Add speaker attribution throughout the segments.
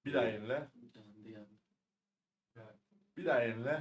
Speaker 1: Bir daha yenile. Bir daha yenile.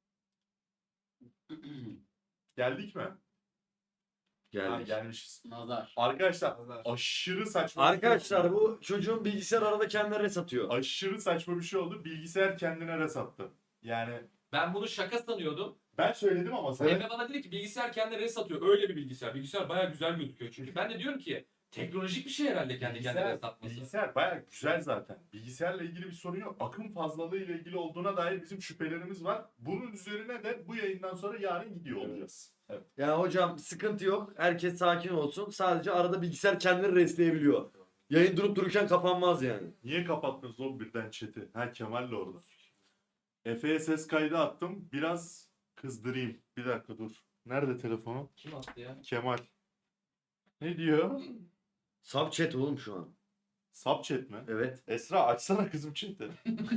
Speaker 1: Geldik mi? Ha,
Speaker 2: Geldik.
Speaker 1: gelmişiz.
Speaker 3: Nazar.
Speaker 1: Arkadaşlar aşırı saçma bir şey
Speaker 2: Arkadaşlar
Speaker 1: oldu.
Speaker 2: bu çocuğun bilgisayar arada kendine satıyor.
Speaker 1: Aşırı saçma bir şey oldu. Bilgisayar kendine resattı. Yani
Speaker 4: Ben bunu şaka sanıyordum.
Speaker 1: ben söyledim ama sana.
Speaker 4: Emre bana dedi ki bilgisayar kendine res atıyor. Öyle bir bilgisayar. Bilgisayar bayağı güzel gözüküyor çünkü. Ben de diyorum ki teknolojik bir şey herhalde kendi kendine res atması.
Speaker 1: Bilgisayar bayağı güzel zaten. Bilgisayarla ilgili bir sorun yok. Akım fazlalığı ile ilgili olduğuna dair bizim şüphelerimiz var. Bunun üzerine de bu yayından sonra yarın gidiyor olacağız. Evet.
Speaker 2: Yani hocam sıkıntı yok. Herkes sakin olsun. Sadece arada bilgisayar kendini resleyebiliyor. Yayın durup dururken kapanmaz yani.
Speaker 1: Niye kapattınız oğlum birden chat'i? Ha Kemal'le orada. Efe'ye ses kaydı attım. Biraz kızdırayım. Bir dakika dur. Nerede telefonu?
Speaker 4: Kim attı ya?
Speaker 1: Kemal. Ne diyor?
Speaker 2: Sub chat oğlum şu an.
Speaker 1: Sub chat mi?
Speaker 2: Evet.
Speaker 1: Esra açsana kızım chat'i.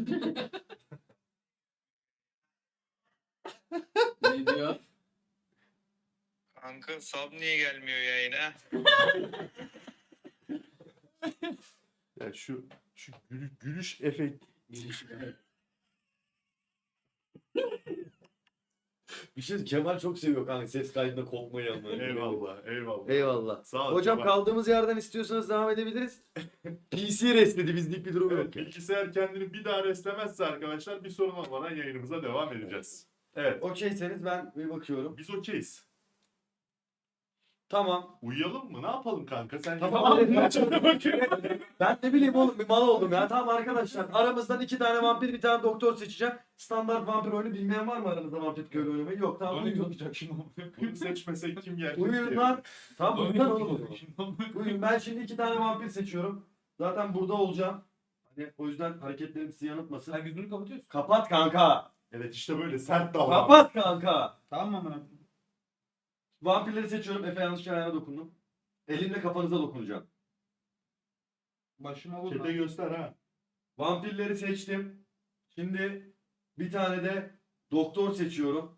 Speaker 3: Ne diyor?
Speaker 5: Kanka sub niye gelmiyor yayına?
Speaker 1: Ya şu gülüş efekt.
Speaker 2: Bir şey Kemal çok seviyor kanka ses kaydında kopmayı ama.
Speaker 1: Eyvallah, eyvallah.
Speaker 2: Eyvallah.
Speaker 1: Sağ ol.
Speaker 2: Hocam
Speaker 1: Kemal.
Speaker 2: kaldığımız yerden istiyorsanız devam edebiliriz. PC resledi bizlik bir durum
Speaker 1: Evet,
Speaker 2: yok. Yani.
Speaker 1: bilgisayar kendini bir daha reslemezse arkadaşlar bir sorun olmadan yayınımıza devam edeceğiz. Evet.
Speaker 2: Okeyseniz ben bir bakıyorum.
Speaker 1: Biz okeyiz.
Speaker 2: Tamam.
Speaker 1: Uyuyalım mı? Ne yapalım kanka? Sen
Speaker 2: Tamam.
Speaker 1: bakıyorum.
Speaker 2: Ben ne bileyim oğlum bir mal oldum ya. Tamam arkadaşlar aramızdan 2 tane vampir bir tane doktor seçeceğim. Standart vampir oyunu bilmeyen var mı aranızda vampir köylü oynamayı? Yok tamam uyuyun.
Speaker 1: Bunu seçmesek kim yer?
Speaker 2: Uyuyun lan. Tamam uyuyun oğlum o zaman. Uyuyun ben şimdi 2 tane vampir seçiyorum. Zaten burada olacağım. Hani o yüzden hareketlerim sizi yanıltmasın.
Speaker 4: Sen gözünü kapatıyorsun.
Speaker 2: Kapat kanka.
Speaker 1: Evet işte böyle sert davran.
Speaker 2: Kapat kanka.
Speaker 3: Tamam mı amına?
Speaker 2: Vampirleri seçiyorum. Efe yanlışlıkla ayağına dokundum. Elimle kafanıza dokunacağım.
Speaker 3: Başıma vurma.
Speaker 1: Çete göster ha.
Speaker 2: Vampirleri seçtim. Şimdi bir tane de doktor seçiyorum.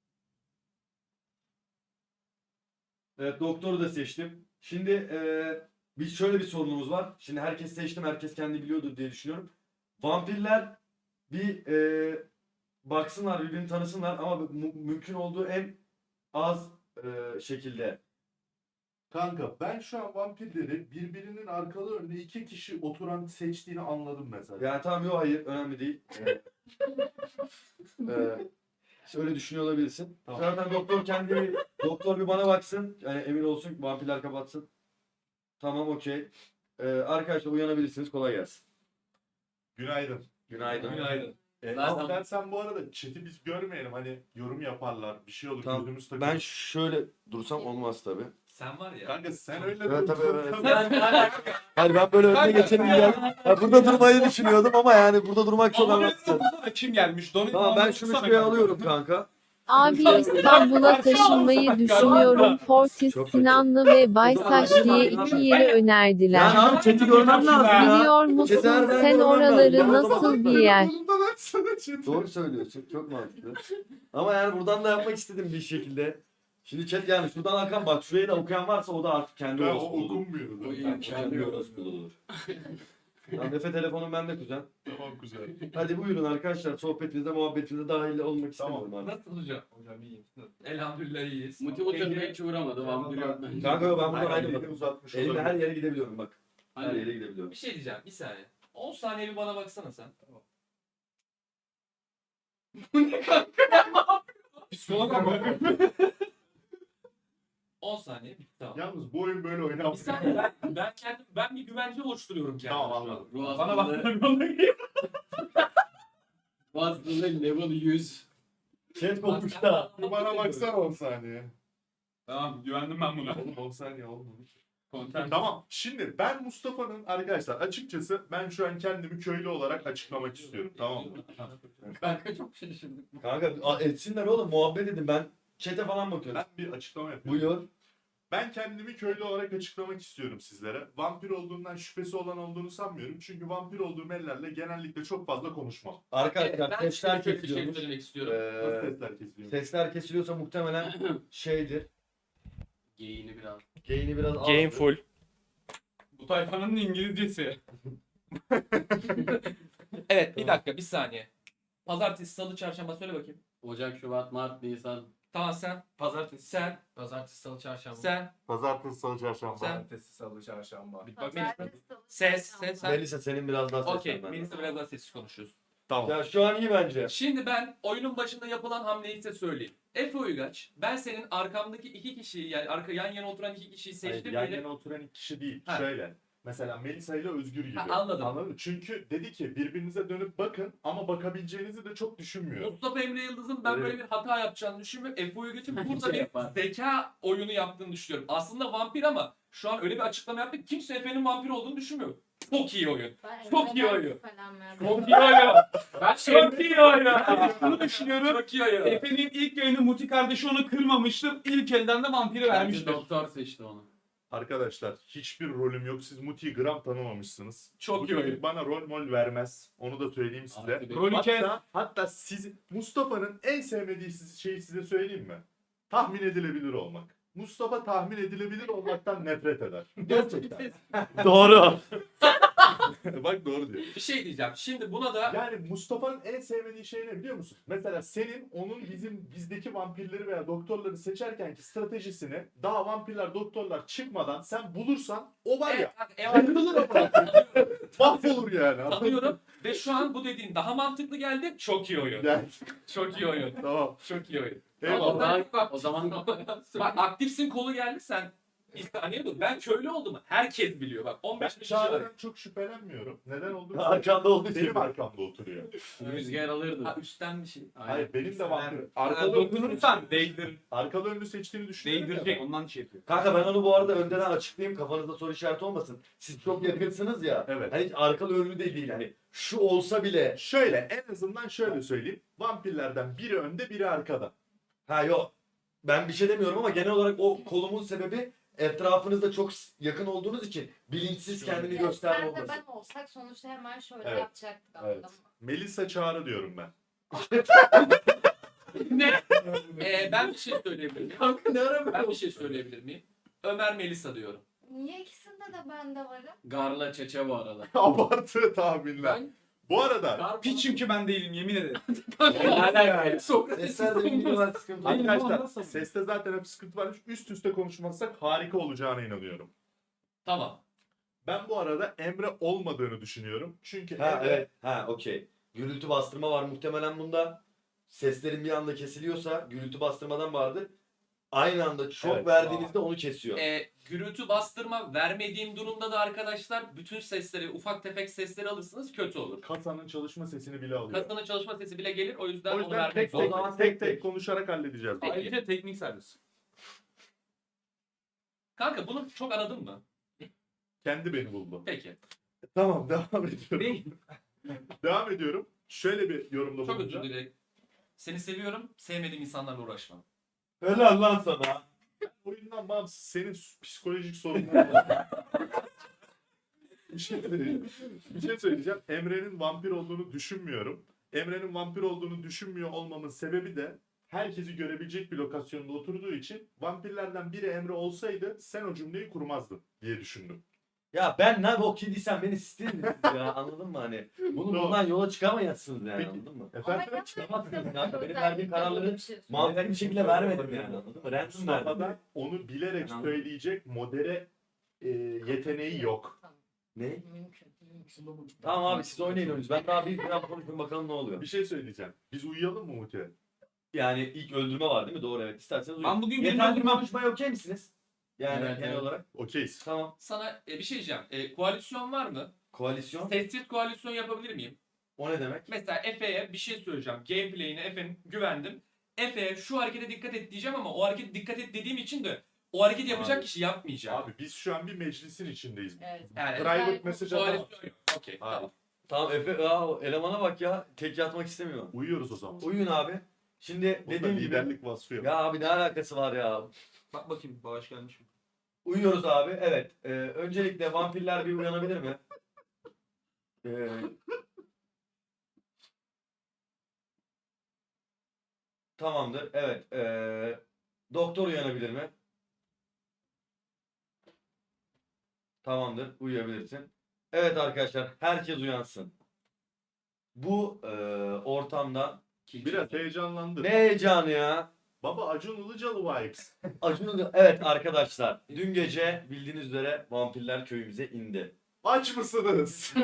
Speaker 2: Evet doktoru da seçtim. Şimdi biz şöyle bir sorunumuz var. Şimdi herkes seçtim. Herkes kendi biliyordur diye düşünüyorum. Vampirler bir baksınlar birbirini tanısınlar ama mümkün olduğu en az şekilde.
Speaker 1: Kanka ben şu an vampirleri birbirinin arkalı önüne iki kişi oturan seçtiğini anladım mesela.
Speaker 2: Yani tamam yok hayır önemli değil. Öyle düşünüyor olabilirsin.
Speaker 1: Tamam.
Speaker 2: Zaten doktor bir bana baksın. Yani emin olsun vampirler kapatsın. Tamam okey. Arkadaşlar uyanabilirsiniz. Kolay gelsin.
Speaker 1: Günaydın.
Speaker 2: Günaydın.
Speaker 4: Günaydın.
Speaker 1: Ama dersen bu arada chat'i biz görmeyelim. Hani yorum yaparlar. Bir şey olur
Speaker 2: Tamam.
Speaker 1: gözümüz takılır.
Speaker 2: Ben şöyle dursam olmaz tabii.
Speaker 4: Sen var ya.
Speaker 1: Kanka sen öyle
Speaker 2: Evet,
Speaker 1: dur.
Speaker 2: tabii, evet.
Speaker 4: Sen
Speaker 2: Hayır ben böyle önüne geçelim geldim. Ya burada durmayı düşünüyordum ama yani burada durmak çok anlamsız.
Speaker 4: Kim gelmiş?
Speaker 2: Tamam ben şunu şuraya alıyorum kanka.
Speaker 6: Abi İstanbul'a taşınmayı düşünüyorum. Fortis,
Speaker 2: Çok kötü.
Speaker 6: Sinanlı ve Baysaç diye iki yeri
Speaker 2: Yani
Speaker 6: önerdiler.
Speaker 2: abi chat'i görmem lazım ya.
Speaker 6: Biliyor musun
Speaker 2: Cezayir'den
Speaker 6: sen
Speaker 2: görmem
Speaker 6: oraları
Speaker 2: lazım.
Speaker 6: nasıl bir yer?
Speaker 2: Doğru söylüyorsun. Çok mantıklı. Ama yani buradan da yapmak istedim bir şekilde. Şimdi chat yani şuradan akan bak şurayı da okuyan varsa o da artık kendi
Speaker 1: Ben o
Speaker 2: orospu olur.
Speaker 1: okunmuyor.
Speaker 3: O
Speaker 1: da.
Speaker 3: iyi.
Speaker 2: Yani kendi orospu olur. Tamam Efe telefonum bende kuzen.
Speaker 1: Tamam güzel.
Speaker 2: Hadi buyurun arkadaşlar sohbetinize muhabbetinize dahil olmak istemiyorum artık.
Speaker 4: Nasıl hocam? Hocam iyiyim. Elhamdülillah iyiyiz.
Speaker 3: Motivatörüne hiç uğramadı. Vampir yok bence.
Speaker 2: Kanka ben buradan
Speaker 1: Aynen,
Speaker 2: ayrılmadım.
Speaker 1: elini uzatmış
Speaker 2: Elimle
Speaker 1: olabilir.
Speaker 2: her yere gidebiliyorum bak. Her
Speaker 3: Hani
Speaker 2: yere gidebiliyorum.
Speaker 4: Bir şey diyeceğim. Bir saniye. 10 saniye bir bana baksana sen. Bu ne kanka? Psikolog ama. 10 saniye bitti tamam.
Speaker 1: Yalnız bu oyun böyle
Speaker 4: Bir
Speaker 1: oynanmıyor.
Speaker 4: saniye ben bir güvence oluşturuyorum kendime.
Speaker 1: Tamam anladım.
Speaker 3: ruh
Speaker 4: Bana
Speaker 3: hastalığı,
Speaker 4: bak.
Speaker 3: ruh hastalığı level 100.
Speaker 2: Chat kopmuş da.
Speaker 1: Bir bana baksana 10 saniye.
Speaker 4: Tamam güvendim ben buna.
Speaker 1: Oğlum 10 saniye olmadı.
Speaker 4: Content.
Speaker 1: Tamam. Şimdi ben Mustafa'nın arkadaşlar açıkçası ben şu an kendimi köylü olarak açıklamak istiyorum. Tamam mı?
Speaker 3: Kanka çok şaşırdık.
Speaker 2: Kanka etsinler oğlum muhabbet edin ben chat'e falan bakıyorum.
Speaker 1: Ben bir açıklama yapıyorum.
Speaker 2: Buyur.
Speaker 1: Ben kendimi köylü olarak açıklamak istiyorum sizlere. Vampir olduğundan şüphesi olan olduğunu sanmıyorum. Çünkü vampir olduğum ellerle genellikle çok fazla konuşmam.
Speaker 2: Arkadaşlar
Speaker 4: Ben
Speaker 2: sesler
Speaker 4: şöyle bir şey
Speaker 2: kesiliyormuş.
Speaker 4: söylemek istiyorum.
Speaker 1: Nasıl
Speaker 2: Ee,
Speaker 1: sesler kesiliyor?
Speaker 2: sesler kesiliyorsa muhtemelen şeydir.
Speaker 3: Geyini biraz.
Speaker 2: Gain'i biraz
Speaker 7: Game
Speaker 2: azdır.
Speaker 7: full.
Speaker 4: Bu tayfanın İngilizcesi. Evet bir dakika bir saniye. Pazartesi, salı, çarşamba söyle bakayım.
Speaker 3: Ocak, Şubat, Mart, Nisan.
Speaker 4: Tamam sen.
Speaker 7: Pazartesi.
Speaker 4: Sen.
Speaker 7: Pazartesi, salı, çarşamba.
Speaker 4: Sen.
Speaker 1: Pazartesi, salı, çarşamba.
Speaker 4: Sen.
Speaker 7: Pazartesi, salı, çarşamba.
Speaker 4: Bak Melisa. Ses. Sen.
Speaker 2: Melisa senin biraz daha
Speaker 4: Okey.
Speaker 2: seslen.
Speaker 4: Melisa biraz daha sessiz konuşuyoruz.
Speaker 1: Tamam.
Speaker 2: Ya şu an iyi bence.
Speaker 4: Şimdi ben oyunun başında yapılan hamleyi size söyleyeyim. Efe Uygaç, ben senin arkamdaki iki kişiyi yani yan yana oturan iki kişiyi
Speaker 1: Hayır,
Speaker 4: seçtim.
Speaker 1: yan
Speaker 4: diyelim.
Speaker 1: yana oturan iki kişi değil.
Speaker 4: Ha.
Speaker 1: Şöyle. Mesela Melisa ile Özgür gibi.
Speaker 4: Ha, anladım.
Speaker 1: Anladın mı? Çünkü dedi ki birbirinize dönüp bakın ama bakabileceğinizi de çok düşünmüyorum.
Speaker 4: Mustafa Emre Yıldız'ın ben
Speaker 2: Evet.
Speaker 4: böyle bir hata yapacağını düşünmüyorum. Efe Uygaç'ın burada
Speaker 3: Şey
Speaker 4: bir
Speaker 3: yapar.
Speaker 4: zeka oyunu yaptığını düşünüyorum. Aslında vampir ama şu an öyle bir açıklama yaptı ki kimse Efe'nin vampir olduğunu düşünmüyor. Çok iyi oyun. Çok iyi oyun. Çok iyi oyun.
Speaker 7: Ben
Speaker 4: Çok iyi oyun.
Speaker 7: şunu düşünüyorum.
Speaker 4: Çok iyi oyun.
Speaker 7: Efe'nin ilk yayını Muti kardeşi onu kırmamıştır. İlk elden de vampiri
Speaker 3: Bence
Speaker 7: vermiştir.
Speaker 3: doktor seçti onu.
Speaker 1: Arkadaşlar hiçbir rolüm yok. Siz Muti'yi gram tanımamışsınız.
Speaker 4: Çok
Speaker 1: Bu
Speaker 4: iyi
Speaker 1: çocuk
Speaker 4: oyun.
Speaker 1: bana rol mol vermez. Onu da söyleyeyim size.
Speaker 3: Artı bir.
Speaker 7: Rolü kes.
Speaker 1: Hatta siz Mustafa'nın en sevmediği şeyi size söyleyeyim mi? Tahmin edilebilir olmak. Mustafa tahmin edilebilir olmaktan nefret eder. Gerçekten.
Speaker 2: Doğru.
Speaker 1: Bak doğru diyor.
Speaker 4: Bir şey diyeceğim. Şimdi buna da
Speaker 1: Yani Mustafa'nın en sevmediği şey ne biliyor musun? Mesela senin onun bizdeki vampirleri veya doktorları seçerkenki stratejisini daha vampirler doktorlar çıkmadan sen bulursan o var ya kırılır ama mahvolur yani.
Speaker 4: tanıyorum ve şu an bu dediğin daha mantıklı geldi. Çok iyi oyun.
Speaker 1: Yani,
Speaker 4: Çok iyi oyun.
Speaker 1: tamam.
Speaker 4: Çok iyi oyun.
Speaker 1: Eyvallah.
Speaker 3: O zaman
Speaker 4: Bak aktifsin kolu geldi sen. Bir saniye dur. Ben köylü oldum. Herkes biliyor. Bak
Speaker 1: Ben
Speaker 4: 15 kişi
Speaker 1: Çağrı'dan çok şüphelenmiyorum. Neden olduğunu
Speaker 2: Arkanda olduğu için.
Speaker 1: benim arkamda oturuyor.
Speaker 3: rüzgar alırdı.
Speaker 4: Ha, üstten bir şey.
Speaker 1: Hayır benim de vampir.
Speaker 7: Arkalı dokunursan değdir.
Speaker 1: Arkalı önlü seçtiğini düşünüyorum.
Speaker 7: Değdirecek. Ondan şey yapıyor.
Speaker 2: Kanka ben onu bu arada önden açıklayayım kafanızda soru işareti olmasın. Siz çok yakınsınız ya.
Speaker 1: Evet.
Speaker 2: Hani hiç arkalı önlü de değil hani. Şu olsa bile.
Speaker 1: Şöyle en azından şöyle söyleyeyim. Vampirlerden biri önde biri arkada.
Speaker 2: Ha yok. Ben bir şey demiyorum ama genel olarak o kolumun sebebi etrafınızda çok yakın olduğunuz için bilinçsiz kendini gösterme
Speaker 8: Sen de
Speaker 2: olması.
Speaker 8: ben olsak sonuçta hemen şöyle
Speaker 1: Evet.
Speaker 8: yapacaktık
Speaker 1: Evet.
Speaker 8: anladın mı?
Speaker 1: Melisa Çağrı diyorum ben.
Speaker 4: Ne? Ben bir şey söyleyebilir miyim?
Speaker 3: Kanka ne ara
Speaker 4: Ben bir şey söyleyebilir miyim? Ömer Melisa diyorum.
Speaker 8: Niye ikisinde de ben de varım?
Speaker 3: Garla çeçe bu arada.
Speaker 1: Abartı tahminler.
Speaker 3: Ben
Speaker 1: Bu arada
Speaker 7: Piç çünkü ben değilim yemin ederim.
Speaker 2: Sesler de bilgi var sıkıntı.
Speaker 7: Hayır,
Speaker 1: arkadaşlar
Speaker 7: nasıl?
Speaker 1: seste zaten hep sıkıntı var. Üst üste konuşmazsak harika olacağına inanıyorum.
Speaker 4: Tamam.
Speaker 1: Ben bu arada Emre olmadığını düşünüyorum. Çünkü
Speaker 2: Ha
Speaker 1: Emre
Speaker 2: evet. Ha okey. Gürültü bastırma var muhtemelen bunda. Seslerin bir anda kesiliyorsa gürültü bastırmadan vardır. Aynı anda çok
Speaker 1: Evet.
Speaker 2: verdiğinizde onu kesiyor.
Speaker 4: Gürültü bastırma vermediğim durumda da arkadaşlar bütün sesleri, ufak tefek sesleri alırsınız kötü olur.
Speaker 1: kasanın çalışma sesini bile alıyor.
Speaker 4: Kasanın çalışma sesi bile gelir o yüzden
Speaker 1: O
Speaker 4: onu
Speaker 1: yüzden
Speaker 4: vermek
Speaker 1: tek
Speaker 4: zorunda.
Speaker 2: O zaman
Speaker 1: tek,
Speaker 2: tek
Speaker 1: tek
Speaker 2: tek.
Speaker 1: konuşarak halledeceğiz.
Speaker 4: Peki.
Speaker 7: Ayrıca teknik servis.
Speaker 4: Kanka bunu çok aradın mı?
Speaker 1: Kendi beni buldu.
Speaker 4: Peki.
Speaker 1: Tamam devam ediyorum.
Speaker 7: Değil.
Speaker 1: Devam ediyorum. Şöyle bir yorumda
Speaker 4: Çok özür
Speaker 1: bulunacağım.
Speaker 4: dilerim. Seni seviyorum. Sevmediğim insanlarla uğraşmam.
Speaker 2: Helal lan sana.
Speaker 1: Oyundan bağımsız senin psikolojik sorunların var. bir şey söyleyeceğim. Emre'nin vampir olduğunu düşünmüyorum. Emre'nin vampir olduğunu düşünmüyor olmamın sebebi de herkesi görebilecek bir lokasyonda oturduğu için vampirlerden biri Emre olsaydı sen o cümleyi kurmazdın diye düşündüm.
Speaker 2: Ya ben ne bok yediysem beni sisterim ya anladın mı hani? Bunu
Speaker 1: Tamam.
Speaker 2: bundan yola çıkamazsınız yani
Speaker 1: Peki.
Speaker 2: anladın mı?
Speaker 1: Efendim?
Speaker 2: Çıkamazsınız kanka. Benim verdiğim kararları
Speaker 8: şey
Speaker 2: mantıklı bir şekilde vermedim yani anladın mı? Random
Speaker 1: Mustafa
Speaker 2: verdim.
Speaker 1: da onu bilerek
Speaker 2: Anladım.
Speaker 1: söyleyecek modere yeteneği yok.
Speaker 2: Ne?
Speaker 8: Mümkün.
Speaker 2: Tamam abi siz oynayın oyuncu. Ben daha bir biraz konuşayım bakalım ne oluyor.
Speaker 1: Bir şey söyleyeceğim. Biz uyuyalım mı Muti'ye?
Speaker 2: Yani ilk öldürme var değil mi? Doğru evet. İsterseniz uyuyun.
Speaker 7: Ben bugün birini
Speaker 2: Yeterli
Speaker 7: öldürmem.
Speaker 2: konuşmaya okey misiniz? Yani
Speaker 3: Evet,
Speaker 2: genel
Speaker 3: evet.
Speaker 2: olarak.
Speaker 1: Okeyiz.
Speaker 2: Tamam.
Speaker 4: Sana bir şey diyeceğim. Koalisyon var mı?
Speaker 2: Koalisyon.
Speaker 4: Sessiz koalisyon yapabilir miyim?
Speaker 2: O ne demek?
Speaker 4: Mesela Efe'ye bir şey söyleyeceğim. Gameplay'ine Efe'nin güvendim. Efe'ye şu harekete dikkat et diyeceğim ama o harekete dikkat et dediğim için de o hareketi yapacak
Speaker 2: Abi.
Speaker 4: kişi yapmayacak.
Speaker 1: Abi biz şu an bir meclisin içindeyiz.
Speaker 8: Evet.
Speaker 4: Yani
Speaker 1: Private message atalım.
Speaker 4: koalisyon yok. Okey.
Speaker 1: Abi.
Speaker 4: Tamam.
Speaker 2: Tamam Efe aa, elemana bak ya. Tek yatmak istemiyor.
Speaker 1: Uyuyoruz o zaman.
Speaker 2: Uyuyun abi. Şimdi
Speaker 1: Bunda
Speaker 2: dediğim gibi.
Speaker 1: liderlik vasfı yok.
Speaker 2: Ya abi ne alakası var ya?
Speaker 7: Bak bakayım bağış gelmiş mi?
Speaker 2: Uyuyoruz abi. Evet. Öncelikle vampirler bir uyanabilir mi? Tamamdır. Evet. Doktor uyanabilir mi? Tamamdır. Uyuyabilirsin. Evet arkadaşlar. Herkes uyansın. bu ortamda
Speaker 1: Biraz heyecanlandı.
Speaker 2: ne heyecanı ya.
Speaker 1: Baba Acun Ilıcalı vibes.
Speaker 2: Evet arkadaşlar, dün gece bildiğiniz üzere vampirler köyümüze indi.
Speaker 1: Aç mısınız?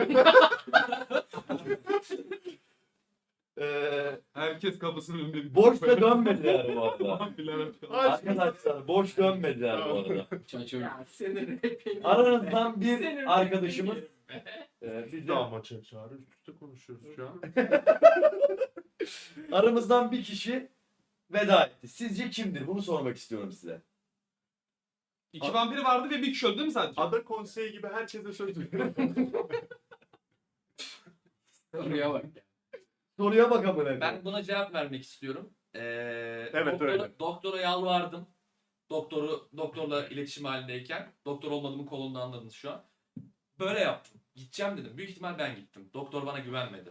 Speaker 7: Herkes kapısının önünde bir
Speaker 2: Boş da dönmediler bu arada.
Speaker 7: Vampirler açıyor.
Speaker 2: Arkadaşlar boş dönmediler bu arada.
Speaker 3: Çaçır.
Speaker 2: Aranızdan bir arkadaşımız
Speaker 1: Biz de ama çağrı üst üste konuşuyoruz şu an.
Speaker 2: aramızdan bir kişi veda etti. Sizce kimdir? Bunu sormak istiyorum size.
Speaker 7: 2 vampir vardı ve bir kişi öldü değil mi sadece?
Speaker 1: Ada konseyi gibi herkese söz veriyorum.
Speaker 3: Oraya bak.
Speaker 2: Soruya bakalım.
Speaker 4: Ben buna cevap vermek istiyorum.
Speaker 1: Evet, öyle.
Speaker 4: Doktora yalvardım. Doktorla iletişim halindeyken. Doktor olmadığımı kolunda anladınız şu an. Böyle yaptım. Gideceğim dedim. Büyük ihtimal ben gittim. Doktor bana güvenmedi.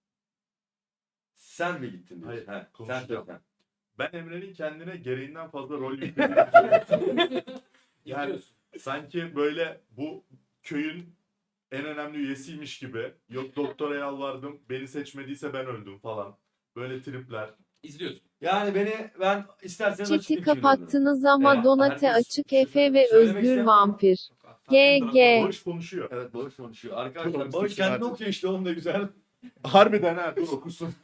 Speaker 2: Sen mi gittin? diyorsun?
Speaker 1: Hayır,
Speaker 2: He, sen
Speaker 1: konuşacağım.
Speaker 2: söyle.
Speaker 1: Ben Emre'nin kendine gereğinden fazla rol yüklediğini düşünüyorum. Yani
Speaker 4: İzliyorsun.
Speaker 1: sanki böyle bu köyün en önemli üyesiymiş gibi. Yok doktora yalvardım, beni seçmediyse ben öldüm falan. Böyle tripler.
Speaker 4: İzliyorsun.
Speaker 2: Yani ben isterseniz
Speaker 6: Chat'i
Speaker 2: açıklayayım şimdi.
Speaker 6: kapattınız ama
Speaker 2: Evet,
Speaker 6: Donate
Speaker 2: herkes
Speaker 6: açık Efe ve
Speaker 2: söylemek
Speaker 6: Özgür
Speaker 2: isteyen-
Speaker 6: Vampir. GG.
Speaker 1: Barış konuşuyor.
Speaker 2: Evet Bağış konuşuyor. Arkadaşlar
Speaker 1: Doğru,
Speaker 2: Bağış kendini
Speaker 1: sizin
Speaker 2: okuyor işte onun da güzel.
Speaker 1: Harbiden ha, dur okusun.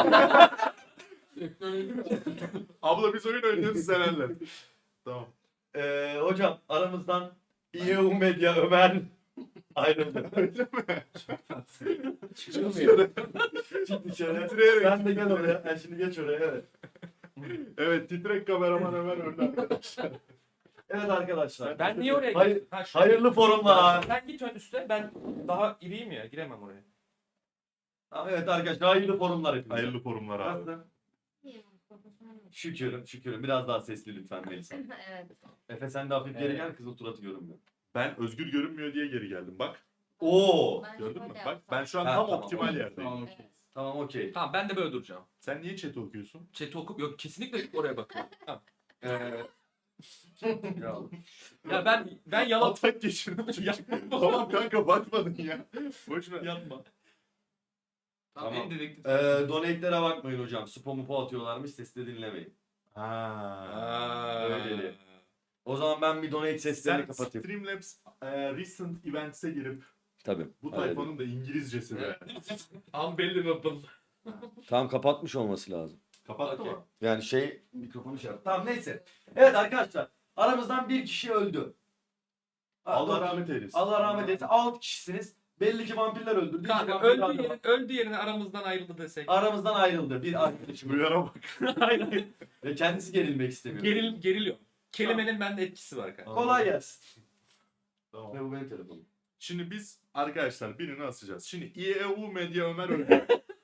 Speaker 1: Abla biz oyun oynuyoruz severler. Tamam.
Speaker 2: Hocam aramızdan İEU Medya Ömer ayrıldı.
Speaker 1: Öyle mi?
Speaker 3: Çıkmıyor.
Speaker 2: Çık dışarı.
Speaker 1: Titreyerek.
Speaker 2: Sen de gel oraya. Ben şimdi geç oraya evet.
Speaker 1: Evet, titrek kameraman Ömer öldü arkadaşlar.
Speaker 2: Evet arkadaşlar.
Speaker 4: Ben niye oraya
Speaker 2: Hayır-
Speaker 4: gittim? Ha, şu-
Speaker 2: Hayırlı forumlar.
Speaker 4: Sen git ön üste. Ben daha iriyim ya. Giremem oraya.
Speaker 2: Tamam, evet arkadaşlar hayırlı forumlar hepinize.
Speaker 1: Hayırlı forumlar abi.
Speaker 2: Nasılsın? Şükürüm. Biraz daha sesli lütfen Melisa.
Speaker 8: Evet.
Speaker 2: Efe sen de hafif geri gel kızın suratı görünmüyor.
Speaker 1: Ben özgür görünmüyor diye geri geldim bak.
Speaker 2: Oo.
Speaker 8: Ben
Speaker 1: Gördün mü?
Speaker 8: şöyle
Speaker 1: Bak
Speaker 8: yapsam.
Speaker 1: ben şu an
Speaker 2: Ha,
Speaker 1: tam
Speaker 2: tamam,
Speaker 1: optimal
Speaker 2: okey.
Speaker 1: yerdeyim.
Speaker 3: Tamam.
Speaker 8: Evet.
Speaker 2: Tamam okey.
Speaker 4: Tamam ben de böyle duracağım.
Speaker 1: Sen niye chat'i okuyorsun?
Speaker 4: Chat'i okup yok kesinlikle oraya bakıyorum. Tamam.
Speaker 2: Ya.
Speaker 4: Ya ben yalan
Speaker 1: Atak geçirdim. Tamam kanka bakmadın ya. Boşuna.
Speaker 7: Yapma.
Speaker 2: Tamam.
Speaker 7: En dedektif.
Speaker 2: Donate'lere bakmayın hocam. Spamu atıyorlarmış sesi de dinlemeyin.
Speaker 1: Ha.
Speaker 2: Öyle. O zaman ben bir donate seslerini
Speaker 1: Sen
Speaker 2: kapatayım.
Speaker 1: Streamlabs recent events'e girip
Speaker 2: Tabii.
Speaker 1: bu
Speaker 2: Öyle değil.
Speaker 1: tayfanın da İngilizcesi be.
Speaker 4: unbelievable.
Speaker 2: Tam kapatmış olması lazım.
Speaker 1: Kapattı
Speaker 4: Okey.
Speaker 1: mı?
Speaker 2: Yani mikrofonu şey yaptı. Tamam neyse. Evet arkadaşlar. Aramızdan bir kişi öldü.
Speaker 1: Allah rahmet eylesin.
Speaker 2: Allah rahmet eylesin. 6 kişisiniz. Belli ki vampirler öldürdü. İki
Speaker 4: Kanka
Speaker 2: vampirler de
Speaker 4: öldü yerine aramızdan ayrıldı desek.
Speaker 2: aramızdan ayrıldı bir arkadaşımız.
Speaker 1: Duyana bak.
Speaker 4: Aynen.
Speaker 2: Ve kendisi gerilmek istemiyor.
Speaker 4: Geriliyor. Kelimenin bende etkisi var kanka.
Speaker 2: Kolay gelsin.
Speaker 1: Tamam.
Speaker 2: Ve bu benim telefonum.
Speaker 1: Şimdi biz arkadaşlar birini asacağız. Şimdi İEU Medya Ömer öldü.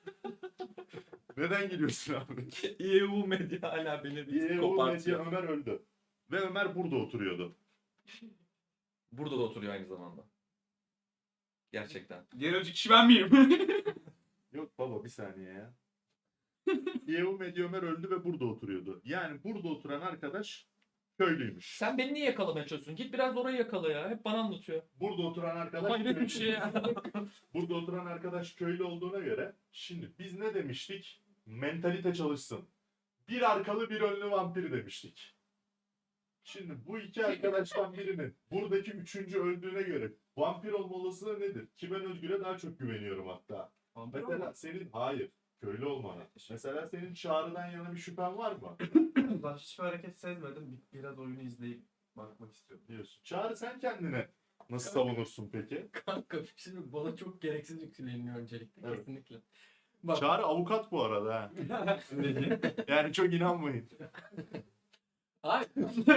Speaker 1: Neden gülüyorsun abi?
Speaker 7: EU medya hala beni bir
Speaker 1: İEU Medya
Speaker 7: kopartıyor.
Speaker 1: Ömer öldü. Ve Ömer burada oturuyordu.
Speaker 4: Burada da oturuyor aynı zamanda. Gerçekten.
Speaker 7: Diğer önceki kişi ben miyim?
Speaker 1: Yok baba bir saniye ya. İEU Medya Ömer öldü ve burada oturuyordu. Yani burada oturan arkadaş köylüymüş.
Speaker 4: Sen beni niye yakalamaya çalışıyorsun? Git biraz orayı yakala ya. Hep bana anlatıyor.
Speaker 1: Burada oturan arkadaş
Speaker 4: Hayret bir
Speaker 1: köylü.
Speaker 4: şey ya.
Speaker 1: Burada oturan arkadaş köylü olduğuna göre şimdi biz ne demiştik? Mentalite çalışsın. Bir arkalı bir önlü vampir demiştik. Şimdi bu iki arkadaştan birinin buradaki üçüncü öldüğüne göre vampir olma olasılığı nedir? Ki ben Özgür'e daha çok güveniyorum hatta. Mesela senin hayır köylü olmana. Mesela senin Çağrı'dan yana bir şüphen var mı?
Speaker 7: Ben hiçbir hareket sezmedim. Biraz oyunu izleyip bakmak istiyorum.
Speaker 1: Diyorsun. Çağrı sen kendine nasıl savunursun peki?
Speaker 3: Kanka şimdi bana çok gereksiz yükleniyor öncelikle.
Speaker 1: Evet.
Speaker 3: Kesinlikle. Bak.
Speaker 1: Çağrı avukat bu arada ha. Yani çok inanmayın.
Speaker 3: Hayır.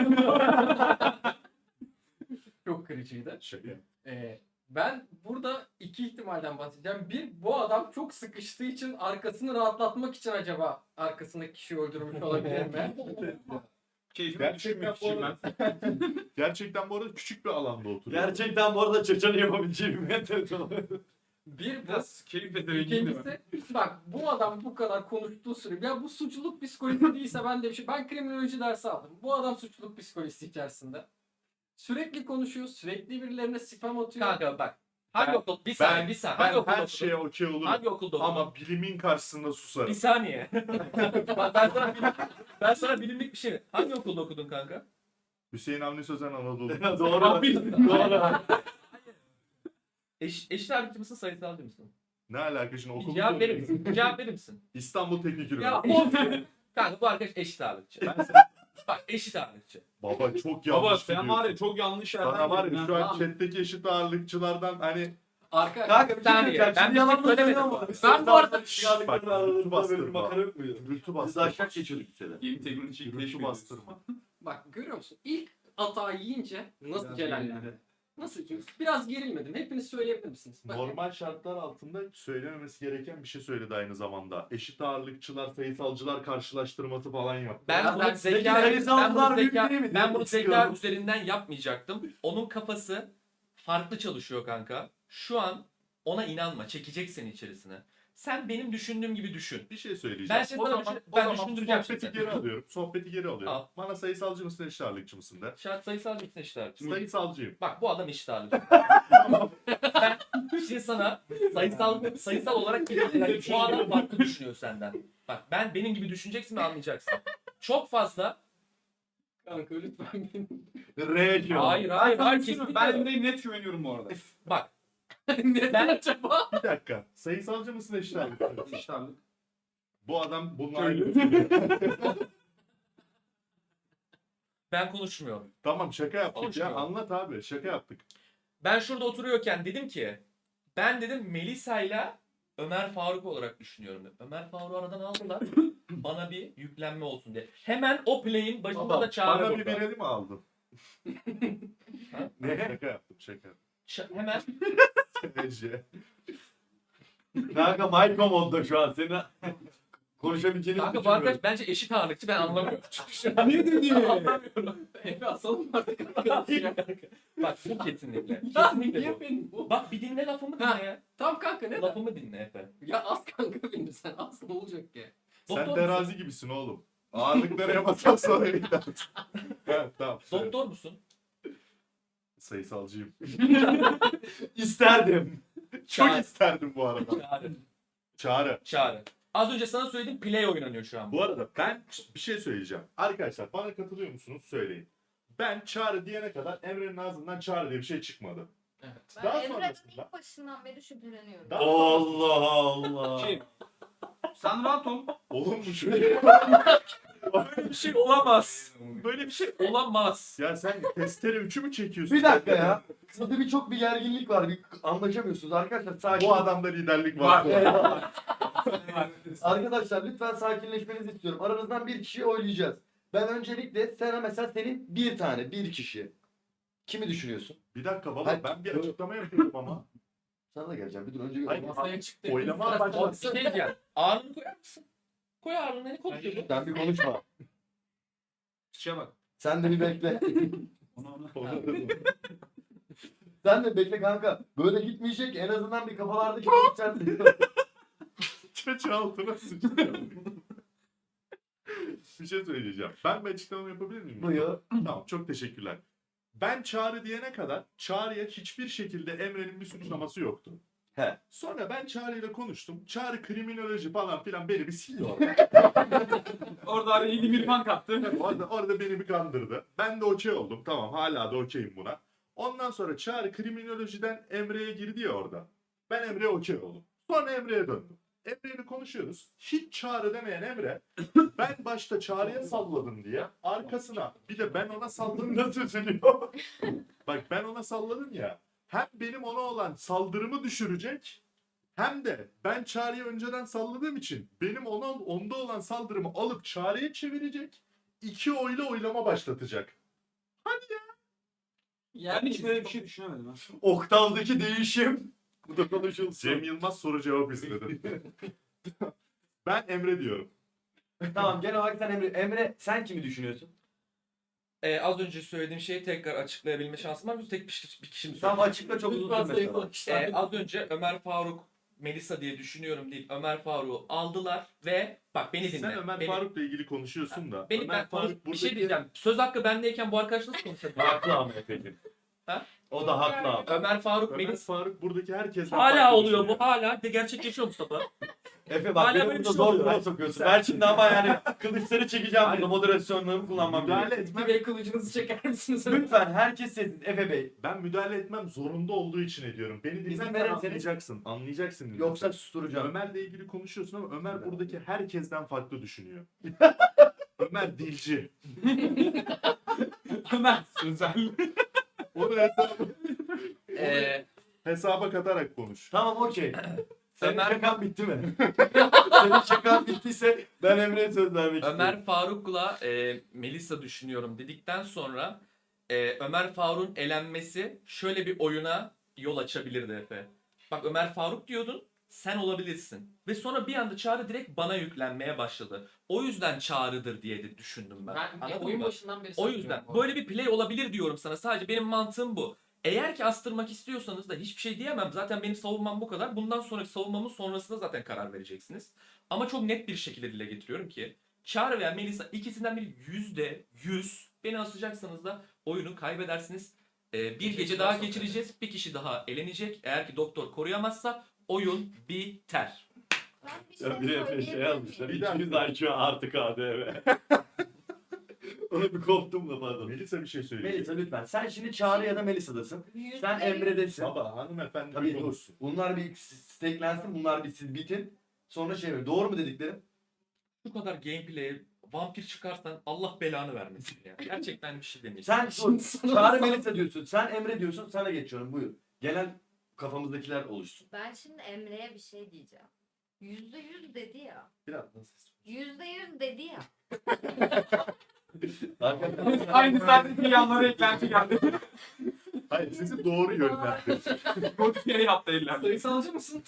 Speaker 3: Çok kırıcıydı.
Speaker 1: Şaka.
Speaker 3: Ben burada iki ihtimalden bahsedeceğim. Bir, bu adam çok sıkıştığı için arkasını rahatlatmak için acaba arkasındaki kişiyi öldürmüş olabilir mi?
Speaker 7: Keyfimi
Speaker 1: Gerçekten
Speaker 7: düşürmek
Speaker 1: bu
Speaker 7: için
Speaker 1: arada,
Speaker 7: ben.
Speaker 1: gerçekten bu arada küçük bir alanda oturuyor.
Speaker 2: Gerçekten bu arada çaçanı yapabileceğim bir telefon.
Speaker 3: Bir bu.
Speaker 7: Biraz keyif ezbereyim mi?
Speaker 3: İkincisi bak bu adam bu kadar konuştuğu süre ya bu suçluluk psikolojisi değilse ben de bir şey ben kriminoloji dersi aldım. Bu adam suçluluk psikolojisi içerisinde. Sürekli konuşuyor, sürekli birilerine spam atıyor.
Speaker 4: Kanka bak. Hangi okul? Bir saniye, bir saniye. Hangi
Speaker 1: Ben
Speaker 4: okulda
Speaker 1: her
Speaker 4: okudun?
Speaker 1: şeye okey olurum.
Speaker 4: Hangi okulda okudun?
Speaker 1: Ama bilimin karşısında
Speaker 4: Bir
Speaker 1: susarım.
Speaker 4: saniye. Bak ben sana bilimlik bir şey. Hangi okulda okudun kanka?
Speaker 1: Hüseyin Avni Sözen Anadolu.
Speaker 2: Doğru. Doğru.
Speaker 4: Eşit ağırlıkçı mısın, sayısalcı mısın?
Speaker 1: Ne alaka şimdi okulu
Speaker 4: Cevap verir
Speaker 1: söylüyorum.
Speaker 4: misin? Cevap verir misin?
Speaker 1: İstanbul Teknik
Speaker 4: Ya
Speaker 1: Üniversitesi.
Speaker 4: kanka bu arkadaş eşit ağırlıkçı. Bak eşit ağırlıkçı.
Speaker 1: Baba çok yanlış
Speaker 7: Baba sen
Speaker 1: gidiyorsun.
Speaker 7: var ya çok yanlış yerden
Speaker 1: Sana var
Speaker 7: girdin
Speaker 1: ya
Speaker 7: ha.
Speaker 1: şu an
Speaker 3: Tamam.
Speaker 1: chatteki eşit ağırlıkçılardan hani
Speaker 2: Kanka bir şey
Speaker 4: saniye,
Speaker 2: söyleyeceğim.
Speaker 4: ben
Speaker 2: Şimdi
Speaker 4: bir şey
Speaker 2: yalan
Speaker 4: söylemedim.
Speaker 2: söylemedim.
Speaker 4: Ben bu arada-
Speaker 1: Bak, gürültü bastırma.
Speaker 2: Makara yok muydu?
Speaker 1: gürültü
Speaker 2: Biz de
Speaker 1: bastırma.
Speaker 2: aşağı geçiyorduk lisede.
Speaker 7: Yeni teknoloji
Speaker 1: Gürültü
Speaker 7: keşfediyoruz.
Speaker 1: bastırma.
Speaker 3: Bak görüyor musun? İlk atağı yiyince nasıl
Speaker 7: Biraz
Speaker 3: celallendi?
Speaker 7: gerildi.
Speaker 3: Nasıl? Biraz gerilmedim. Hepiniz söyleyebilir misiniz? Bak,
Speaker 1: Normal şartlar altında söylememesi gereken bir şey söyledi aynı zamanda. Eşit ağırlıkçılar, sayısalcılar karşılaştırması falan yaptı.
Speaker 4: Ben
Speaker 2: Ya
Speaker 4: bunu
Speaker 2: sen-
Speaker 4: zeka,
Speaker 2: peki
Speaker 4: ben
Speaker 2: sayısalcılar
Speaker 4: bunu
Speaker 2: büyük
Speaker 4: zeka,
Speaker 2: değil mi?
Speaker 4: ben bunu zeka
Speaker 2: İstiyorum.
Speaker 4: üzerinden yapmayacaktım. Onun kafası farklı çalışıyor kanka. Şu an ona inanma. Çekecek seni içerisine. Sen benim düşündüğüm gibi düşün.
Speaker 1: Bir şey söyleyeceğim.
Speaker 4: Ben şimdi sana ben düşündüreceğim
Speaker 1: sohbeti
Speaker 4: şimdi.
Speaker 1: geri alıyorum. Sohbeti geri alıyorum.
Speaker 4: Al.
Speaker 1: Bana sayısalcı mısın, eşit ağırlıkçı mısın de.
Speaker 4: Şart sayısal mısın eşit ağırlıkçı?
Speaker 1: Sayısalcıyım.
Speaker 4: Bak bu adam eşit ağırlıkçı. Ben şimdi sana sayısal olarak bu adam farklı düşünüyor senden. Bak benim gibi düşüneceksin ve anlayacaksın. Çok fazla.
Speaker 3: kanka lütfen beni.
Speaker 2: R diyor.
Speaker 4: Hayır kesinlikle.
Speaker 7: Ben Emre'ye net güveniyorum bu arada.
Speaker 4: Bak
Speaker 3: Neden acaba?
Speaker 1: Bir dakika. Sayısalcı mısın, eşit ağırlıkçı mısın?
Speaker 7: İşte abi.
Speaker 1: Bu adam bununla aynı düşünüyor.
Speaker 4: ben konuşmuyorum.
Speaker 1: Tamam şaka yaptık ya.
Speaker 4: Konuşmuyorum.
Speaker 1: Anlat abi. Şaka yaptık.
Speaker 4: Ben şurada oturuyorken dedim ki ben dedim Melisa'yla Ömer Faruk olarak düşünüyorum dedim. Ömer Faruk'u aradan aldılar. Bana bir yüklenme olsun diye. Hemen o play'in başında
Speaker 1: Tamam.
Speaker 4: da Çağrı
Speaker 1: Bana bir
Speaker 4: burada.
Speaker 1: vereli mi aldın?
Speaker 4: Ha?
Speaker 1: Ne? Şaka yaptım şaka.
Speaker 4: Hemen
Speaker 1: Ece.
Speaker 2: Kanka Michael modda şu an. Senin konuşabileceğini
Speaker 4: kanka bu arkadaş bence eşit ağırlıkçı ben anlamıyorum.
Speaker 7: Niye dedi?
Speaker 3: Anlamıyorum. Efe asalım artık arkadaşlar.
Speaker 4: Bak bu kesinlikle.
Speaker 3: Ya
Speaker 4: Kesinlikle
Speaker 3: niye
Speaker 4: bu.
Speaker 3: benim bu?
Speaker 4: Bak bir dinle lafımı dinle
Speaker 3: Ha.
Speaker 4: ya.
Speaker 3: Tamam kanka ne?
Speaker 4: Lafımı dinle Efe.
Speaker 3: Ya az kanka benim sen az ne olacak ki?
Speaker 1: Sen
Speaker 4: Doktor
Speaker 1: terazi gibisin oğlum. Ağırlıkları yapmasan sonra gider. Evet tamam. söyle.
Speaker 4: Doktor musun?
Speaker 1: Sayısalcıyım.
Speaker 2: isterdim.
Speaker 1: Çok
Speaker 4: Çağrı.
Speaker 1: isterdim bu arada.
Speaker 4: Çağrı.
Speaker 1: Çağrı.
Speaker 4: Çağrı. Az önce sana söylediğim play oynanıyor şu an.
Speaker 1: Bu arada ben bir şey söyleyeceğim. Arkadaşlar bana katılıyor musunuz? Söyleyin. Ben Çağrı diyene kadar Emre'nin ağzından Çağrı diye bir şey çıkmadı.
Speaker 3: Evet.
Speaker 8: Ben
Speaker 1: Daha
Speaker 8: Emre'den
Speaker 1: sonrasında-
Speaker 8: ilk başından beri şüpheleniyorum.
Speaker 1: Daha
Speaker 2: Allah Allah.
Speaker 7: Kim? Sen rahat ol.
Speaker 1: Oğlum bu şöyle.
Speaker 4: Böyle bir şey olamaz. Böyle bir şey olamaz.
Speaker 1: Ya sen testere 3'ü mü çekiyorsun?
Speaker 2: Bir dakika ya. Sizde birçok bir gerginlik var. Bir anlaşamıyorsunuz arkadaşlar. Sakin.
Speaker 1: Bu adamda liderlik var.
Speaker 2: Arkadaşlar lütfen sakinleşmenizi istiyorum. Aranızdan bir kişiyi oylayacağız. Ben öncelikle sana mesela senin bir kişi. Kimi düşünüyorsun?
Speaker 1: Bir dakika baba
Speaker 2: Hayır.
Speaker 1: ben bir açıklama yapıyorum ama.
Speaker 2: Sana da geleceğim. Bir dur önce
Speaker 1: Hayır,
Speaker 2: gör.
Speaker 3: Masaya çıktı.
Speaker 1: Oylama
Speaker 3: Biraz
Speaker 1: başladı.
Speaker 4: Bir şey diyeceğim. Ağırlığını koyar mısın? Koy ağırlığını. Ne konuşuyor bu?
Speaker 2: Sen bir konuşma.
Speaker 7: Şişe bak.
Speaker 2: Sen de bir bekle.
Speaker 7: Ona.
Speaker 2: Sen de bekle kanka. Böyle gitmeyecek. En azından bir kafalardaki içeride.
Speaker 1: Çeçe altına sıçtı. Bir şey söyleyeceğim. Ben bir açıklama yapabilir miyim?
Speaker 2: Buyur.
Speaker 1: Tamam çok teşekkürler. Ben Çağrı diyene kadar Çağrı'ya hiçbir şekilde Emre'nin bir suçlaması yoktu.
Speaker 2: He.
Speaker 1: Sonra ben Çağrı ile konuştum. Çağrı kriminoloji falan filan beni bir sildi
Speaker 7: Orada araya yeni bir fan kattı.
Speaker 1: orada beni bir kandırdı. Ben de okey oldum. Tamam hala da okeyim buna. Ondan sonra Çağrı kriminolojiden Emre'ye girdi ya orada. Ben Emre'ye okey oldum. Sonra Emre'ye döndüm. Emre'yle konuşuyoruz. Hiç Çağrı demeyen Emre ben başta Çağrı'ya salladım diye arkasına bir de ben ona salladım nasıl üzülüyor. Bak ben ona salladım ya. Hem benim ona olan saldırımı düşürecek hem de ben Çağrı'ya önceden salladığım için benim onda olan saldırımı alıp Çağrı'ya çevirecek. 2 oyla oylama başlatacak.
Speaker 7: Ben hiç böyle bir şey düşünemedim. Ha.
Speaker 2: Oktavdaki değişim. Bu da konuşulsun.
Speaker 1: Cem Yılmaz soru cevap istedi. Ben Emre diyorum.
Speaker 2: Tamam genel olarak sen Emre. Emre sen kimi düşünüyorsun?
Speaker 4: Az önce söylediğim şeyi tekrar açıklayabilme şansım var mı? Tek bir kişi mi
Speaker 2: Tamam
Speaker 4: söyleyeyim?
Speaker 2: açıkla çok uzun
Speaker 3: Lütfen
Speaker 2: sürme.
Speaker 3: sayı konuşlar.
Speaker 4: Az önce Ömer Faruk Melisa diye düşünüyorum deyip Ömer Faruk'u aldılar ve bak beni dinle.
Speaker 1: Sen Ömer
Speaker 4: Beni-
Speaker 1: Faruk'la ilgili konuşuyorsun da.
Speaker 4: Beni
Speaker 1: Ömer
Speaker 4: ben konuş, bir şey
Speaker 1: buradaki-
Speaker 4: diyeceğim. Söz hakkı bendeyken bu arkadaş nasıl konuşabilir?
Speaker 2: Haklı ama Efe'cim. O da haklı abi.
Speaker 4: Ömer Faruk,
Speaker 1: Ömer
Speaker 4: Melis.
Speaker 1: Faruk buradaki herkesten
Speaker 4: Hala
Speaker 1: farklı
Speaker 4: oluyor bu.
Speaker 1: düşünüyor.
Speaker 4: Hala de gerçekleşiyor Mustafa.
Speaker 2: Efe bak
Speaker 4: Hala
Speaker 2: beni
Speaker 4: böyle bir
Speaker 2: burada
Speaker 4: şey
Speaker 2: zor
Speaker 4: oluyor.
Speaker 2: duruma sokuyorsun. Ben şimdi ama yani kılıçları çekeceğim
Speaker 1: Hayır.
Speaker 2: burada moderasyonlarımı kullanmam
Speaker 1: Müdahale
Speaker 2: gerekiyor.
Speaker 1: etmem.
Speaker 3: Bey kılıcınızı çeker misiniz?
Speaker 2: Lütfen herkes sessiz. Efe Bey.
Speaker 1: Ben müdahale etmem zorunda olduğu için ediyorum. Beni
Speaker 2: İzin
Speaker 1: dinlersen
Speaker 2: verirseniz-
Speaker 1: anlayacaksın. Anlayacaksın.
Speaker 2: Yoksa susturacağım.
Speaker 1: Ömer'le ilgili konuşuyorsun ama Ömer buradaki herkesten farklı düşünüyor. Ömer dilci.
Speaker 7: Ömer sözel.
Speaker 1: Onu hesaba,
Speaker 4: Ee,
Speaker 1: katarak konuş.
Speaker 2: Tamam okey. Senin
Speaker 4: Ömer-
Speaker 2: şakan bitti mi? Senin şakan bittiyse ben Emre'ye söz vermek istiyorum.
Speaker 4: Ömer Faruk'la Melisa düşünüyorum dedikten sonra Ömer Faruk'un elenmesi şöyle bir oyuna yol açabilirdi Efe. Bak Ömer Faruk diyordun, sen olabilirsin. Ve sonra bir anda Çağrı direkt bana yüklenmeye başladı. O yüzden Çağrı'dır diye de düşündüm ben.
Speaker 3: Ben
Speaker 4: Anladın
Speaker 3: oyun
Speaker 4: mı?
Speaker 3: başından beri
Speaker 4: O
Speaker 3: saklıyorum
Speaker 4: yüzden
Speaker 3: bu arada.
Speaker 4: böyle bir play olabilir diyorum sana. Sadece benim mantığım bu. Eğer ki astırmak istiyorsanız da hiçbir şey diyemem. Zaten benim savunmam bu kadar. Bundan sonraki savunmamın sonrasında zaten karar vereceksiniz. Ama çok net bir şekilde dile getiriyorum ki Çağrı veya Melisa ikisinden biri %100 beni asacaksanız da oyunu kaybedersiniz. Bir gece daha geçireceğiz. Bir kişi daha elenecek. Eğer ki doktor koruyamazsa oyun biter.
Speaker 8: Ben bir
Speaker 2: Ya bir Efe şey
Speaker 8: söyleyebilir
Speaker 2: yazmışlar.
Speaker 8: miyim?
Speaker 2: 200 IQ artı KDV. Ona bir koptum da pardon.
Speaker 1: Melisa bir şey söyleyecek.
Speaker 2: Melisa lütfen. Sen şimdi Çağrı ya da Melisa'dasın. Sen
Speaker 8: %100
Speaker 2: Emre'desin.
Speaker 1: Baba hanımefendi
Speaker 2: Tabii
Speaker 1: bir
Speaker 2: dur.
Speaker 1: konuşsun.
Speaker 2: Bunlar bir steklensin. Bunlar bir siz bitin. Sonra şey ver. Doğru mu dediklerim?
Speaker 4: Şu kadar gameplay'e vampir çıkarsan Allah belanı vermesin ya. Gerçekten bir şey demeyeceğim.
Speaker 2: Sen dur. Çağrı Melisa diyorsun. Sen Emre diyorsun. Sana geçiyorum. Buyur. Genel kafamızdakiler oluşsun.
Speaker 8: Ben şimdi Emre'ye bir şey diyeceğim. %100 dedi ya.
Speaker 1: Biraz nasıl?
Speaker 8: %100 dedi ya.
Speaker 2: Arkadaşlar.
Speaker 7: Aynı saatte yanlara eklenti geldi.
Speaker 1: Hayır sizi doğru yönlendirin.
Speaker 7: Modifiye yaptı eller.
Speaker 3: Sayısalcı mısın?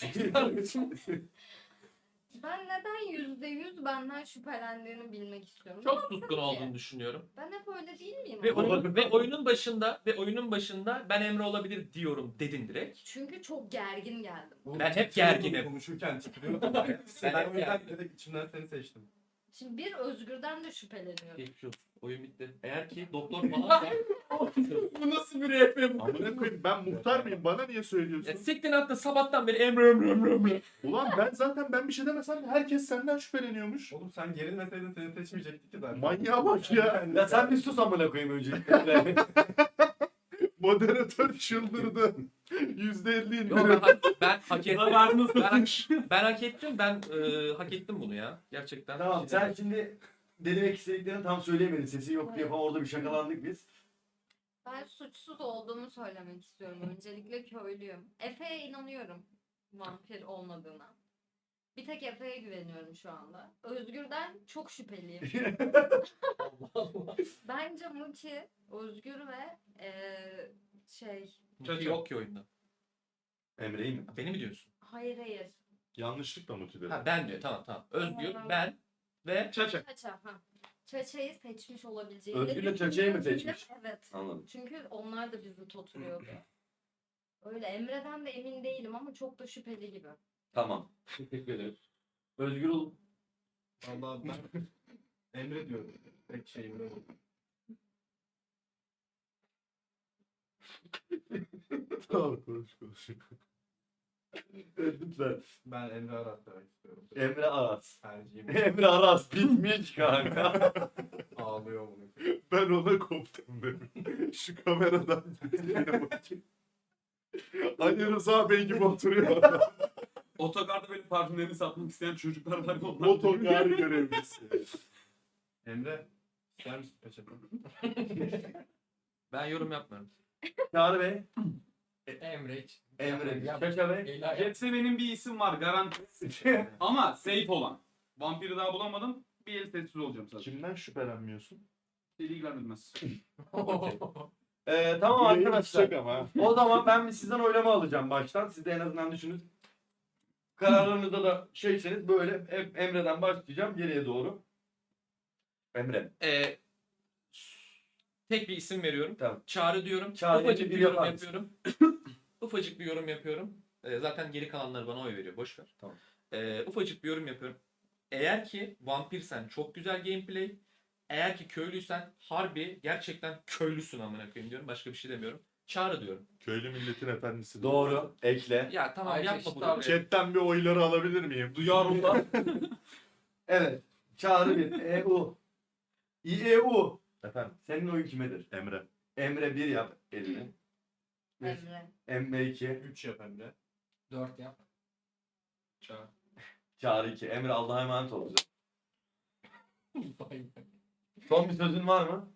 Speaker 8: Ben neden %100 benden şüphelendiğini bilmek istiyorum.
Speaker 4: Çok
Speaker 8: Ne
Speaker 4: tutkun
Speaker 8: yaptım ki?
Speaker 4: olduğunu düşünüyorum.
Speaker 8: Ben hep öyle değil miyim?
Speaker 4: Ve,
Speaker 8: ama?
Speaker 4: oyunun başında ben Emre olabilir diyorum dedin direkt.
Speaker 8: Çünkü çok gergin geldim.
Speaker 4: Ben hep gerginim.
Speaker 7: Konuşurken titriyor.
Speaker 4: Ben
Speaker 7: ben
Speaker 4: hep
Speaker 7: o yüzden
Speaker 4: gerginim.
Speaker 7: direkt içimden seni seçtim.
Speaker 8: Şimdi bir Özgür'den de şüpheleniyorum.
Speaker 4: Geçmiş olsun. Oyun bitti. Eğer ki doktor falan
Speaker 3: Bu nasıl bir RP bu?
Speaker 1: Amına koyayım ben muhtar mıyım? Bana niye söylüyorsun?
Speaker 4: siktin hatta sabahtan beri Emre.
Speaker 1: Ulan ben bir şey demesem de herkes senden şüpheleniyormuş.
Speaker 7: Oğlum sen gerilmeseydin seni seçmeyecektik ki zaten.
Speaker 1: Manyağa bak ya.
Speaker 2: Ya sen bir sus amına koyayım öncelikle.
Speaker 1: Moderatör çıldırdı. %50
Speaker 4: Yo,
Speaker 1: indirim.
Speaker 4: ben hak ettim.
Speaker 7: Zararını
Speaker 4: Ben hak ettim. Ben hak ettim bunu ya. Gerçekten.
Speaker 2: Tamam sen şimdi denemek istediklerini tam söyleyemedin. Sesi yok diye falan orada bir şakalandık biz.
Speaker 8: Ben suçsuz olduğumu söylemek istiyorum. Öncelikle köylüyüm. Efe'ye inanıyorum vampir olmadığına. Bir tek Efe'ye güveniyorum şu anda. Özgür'den çok şüpheliyim. Bence Muki, Özgür ve
Speaker 4: Çünkü yok ki oyunda.
Speaker 2: Emre'yi mi?
Speaker 4: Beni mi diyorsun?
Speaker 8: hayır.
Speaker 1: Yanlışlıkla motive.
Speaker 4: Ha ben diyor. Tamam. Özgür, ben ve
Speaker 7: Çaça.
Speaker 8: Çaça. Çaça'yı seçmiş olabileceğini
Speaker 2: Özgür'le Çaça'yı mı
Speaker 8: düşünüyorum.
Speaker 2: seçmiş?
Speaker 8: Evet.
Speaker 2: Anladım.
Speaker 8: Çünkü onlar da bizi toturuyordu. Öyle Emre'den de emin değilim ama çok da şüpheli gibi.
Speaker 2: Tamam. Teşekkür ederim. Özgür ol.
Speaker 7: Vallahi ben Emre diyorum. Tek şeyim böyle.
Speaker 1: Tamam konuş.
Speaker 2: Lütfen.
Speaker 7: Ben Emre Arat demek istiyorum.
Speaker 2: Emre Aras.
Speaker 7: Tercihim.
Speaker 2: Emre Aras bitmiş kanka.
Speaker 7: Ağlıyor bunu.
Speaker 1: Ben ona koptum dedim. Şu kameradan gittiğine bakayım. Ali Rıza Bey gibi oturuyor.
Speaker 7: Otogarda benim parfümlerimi satmak isteyen çocuklar var.
Speaker 1: Motogar görevlisi.
Speaker 7: Emre. İster misin peçete?
Speaker 4: ben yorum yapmıyorum.
Speaker 2: Çağrı Bey.
Speaker 3: Emre hiç.
Speaker 2: Emre.
Speaker 3: Ya,
Speaker 2: Çaça Bey.
Speaker 3: Leyla-
Speaker 7: Jetse benim bir isim var garanti. Ama safe olan. Vampiri daha bulamadım. Bir el sessiz olacağım sadece.
Speaker 1: Kimden şüphelenmiyorsun?
Speaker 7: Deli ilgilenmez.
Speaker 2: Tamam arkadaşlar.
Speaker 1: Yayın ama.
Speaker 2: O zaman ben bir sizden oylama alacağım baştan. Siz de en azından düşünün. Kararlarınızda da şeyseniz böyle hep Emre'den başlayacağım geriye doğru. Emre.
Speaker 4: Tek bir isim veriyorum.
Speaker 2: Tamam.
Speaker 4: Çağrı diyorum.
Speaker 2: Çağrı
Speaker 4: Ufacık
Speaker 2: diye
Speaker 4: bir
Speaker 2: biri
Speaker 4: yorum
Speaker 2: yapar mısın?
Speaker 4: yapıyorum. Ufacık bir yorum yapıyorum. Zaten geri kalanları bana oy veriyor. Boş ver.
Speaker 2: Tamam.
Speaker 4: Ufacık bir yorum yapıyorum. Eğer ki vampirsen çok güzel gameplay. Eğer ki köylüysen harbi gerçekten köylüsün amına koyayım diyorum. Başka bir şey demiyorum. Çağrı diyorum.
Speaker 1: Köylü milletin efendisi.
Speaker 2: Doğru. Ekle.
Speaker 4: Ya tamam
Speaker 3: Ayrıca
Speaker 4: yapma
Speaker 3: eşit
Speaker 4: bunu.
Speaker 3: abi.
Speaker 1: Chatten bir oyları alabilir miyim?
Speaker 7: Duyarlılar.
Speaker 2: Evet. Çağrı bir. EU. İEU.
Speaker 1: Efendim
Speaker 2: Senin oyun kimedir?
Speaker 1: Emre.
Speaker 2: Emre 1 yap elini.
Speaker 8: Emre.
Speaker 2: Emre 2.
Speaker 7: 3 yap Emre.
Speaker 3: 4 yap.
Speaker 7: Çağır.
Speaker 2: Çağrı 2. Emre Allah'a emanet ol bize. Son bir sözün var mı?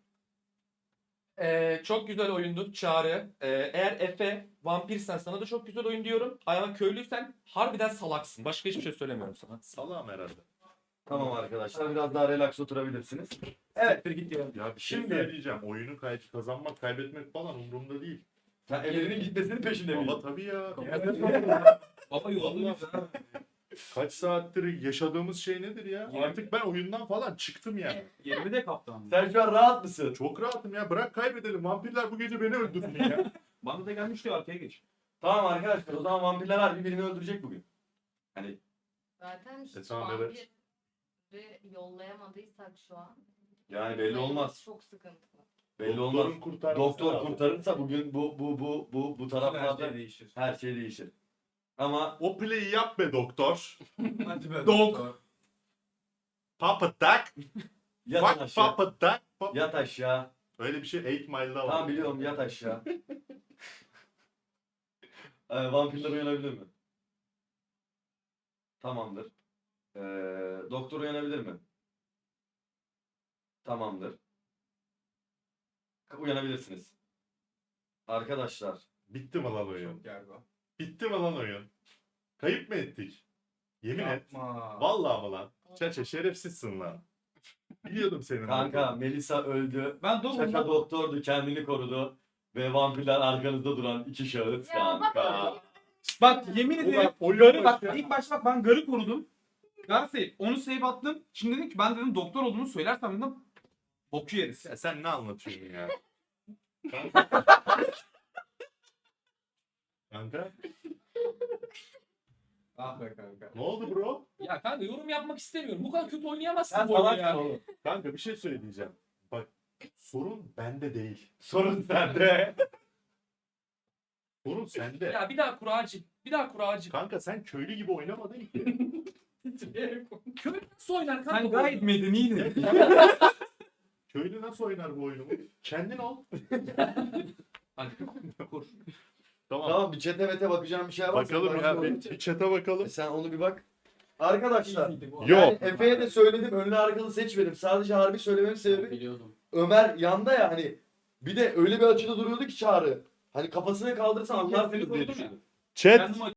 Speaker 4: Çok güzel oyundu Çağrı. Eğer Efe vampirsen sana da çok güzel oyun diyorum. Ama köylüysen harbiden salaksın. Başka hiçbir şey söylemiyorum sana.
Speaker 1: Salam herhalde.
Speaker 2: Tamam arkadaşlar biraz daha relax oturabilirsiniz. Evet.
Speaker 7: Git ya.
Speaker 1: Ya bir şey
Speaker 2: Şimdi-
Speaker 1: söyleyeceğim. Oyunu kazanmak, kaybetmek falan umurumda değil.
Speaker 2: Sen Emre'nin gitmesinin peşinde miydin?
Speaker 1: Baba tabii ya.
Speaker 7: Baba yolluyuz ha.
Speaker 1: Kaç saattir yaşadığımız şey nedir ya? Artık ben oyundan falan çıktım yani.
Speaker 7: 20 de kaptan.
Speaker 2: Sen şu an rahat mısın?
Speaker 1: Çok rahatım ya. Bırak kaybedelim. Vampirler bu gece beni öldürsün ya.
Speaker 7: Bana da gelmiş diyor arkaya geç.
Speaker 2: Tamam arkadaşlar o zaman vampirler harbi birini öldürecek bugün. Hani
Speaker 8: Zaten hiç
Speaker 1: tamam, evet.
Speaker 8: vampiri yollayamadıysak şu an.
Speaker 2: yani belli olmaz.
Speaker 8: Çok sıkıntılı.
Speaker 2: Belli olmaz.
Speaker 1: Doktorun kurtarması
Speaker 2: Doktor
Speaker 1: lazım.
Speaker 2: kurtarırsa bugün bu
Speaker 7: Her
Speaker 2: taraflarda
Speaker 7: şey değişir.
Speaker 2: her şey değişir. Ama
Speaker 1: O play'i yap be doktor.
Speaker 7: Hadi be.
Speaker 1: Dog. Papa tak.
Speaker 2: yat
Speaker 1: Fuck
Speaker 2: aşağı.
Speaker 1: papa tak.
Speaker 2: Yat aşağı.
Speaker 1: Öyle bir şey 8 Mile'da var.
Speaker 2: Tamam biliyorum yat aşağı. Vampirler uyanabilir mi? Tamamdır. Doktor uyanabilir mi? Tamamdır. Uyanabilirsiniz. Arkadaşlar.
Speaker 1: Bitti mi lan oyun?
Speaker 7: Galiba.
Speaker 1: Bitti mi lan oyun? Kayıp mı ettik? Yemin et.
Speaker 7: Yapma.
Speaker 1: Vallahi mı lan? Çaça şerefsizsin lan. Biliyordum senin.
Speaker 2: Kanka Melisa öldü.
Speaker 7: Ben
Speaker 2: Şaka doktordu kendini korudu. Ve vampirler arkanızda duran iki şahıs
Speaker 8: Ya bak
Speaker 2: kanka.
Speaker 7: Bak yemin ederim.
Speaker 1: Ulan oyun
Speaker 7: Garı bak
Speaker 1: başı-
Speaker 7: ilk başta bak ben garı korudum. Gar save. Onu save attım. Şimdi dedim ki ben dedim doktor olduğunu söylersem dedim boku yeriz.
Speaker 1: Ya sen ne anlatıyorsun ya? Kanka
Speaker 7: Ah be kanka.
Speaker 1: ne oldu bro?
Speaker 4: Ya kanka yorum yapmak istemiyorum. Bu kadar kötü oynayamazsın
Speaker 2: Sen
Speaker 4: bu oyunu
Speaker 2: salaksın
Speaker 4: ya.
Speaker 2: oğlum.
Speaker 1: Kanka bir şey söyleyeceğim. Bak sorun bende değil.
Speaker 2: Sorun sende.
Speaker 1: Sorun sende.
Speaker 4: Ya bir daha kuracı. Bir daha kuracı.
Speaker 1: Kanka sen köylü gibi oynamadın ki.
Speaker 4: Köylü nasıl oynar kanka?
Speaker 7: Sen
Speaker 4: bu
Speaker 7: gayet
Speaker 4: oyunu?
Speaker 7: medeniydin.
Speaker 1: Köylü nasıl oynar bu oyunu? Kendin ol.
Speaker 7: Hadi kur.
Speaker 1: Tamam.
Speaker 2: Tamam bir çete mete bakacağım bir şey var.
Speaker 1: Bakalım ya bir chat'e bakalım.
Speaker 2: Sen onu bir bak. Arkadaşlar.
Speaker 1: Yok.
Speaker 2: Yani Efe'ye de söyledim önlü arkalı seçmedim. Sadece harbi söylememin sebebi
Speaker 3: Biliyordum.
Speaker 2: Ömer yanda ya hani. Bir de öyle bir açıda duruyordu ki Çağrı. Hani kafasını kaldırsa anlarsınız diye
Speaker 7: korudum ya.
Speaker 2: düşündüm.
Speaker 1: Chat
Speaker 7: Kendim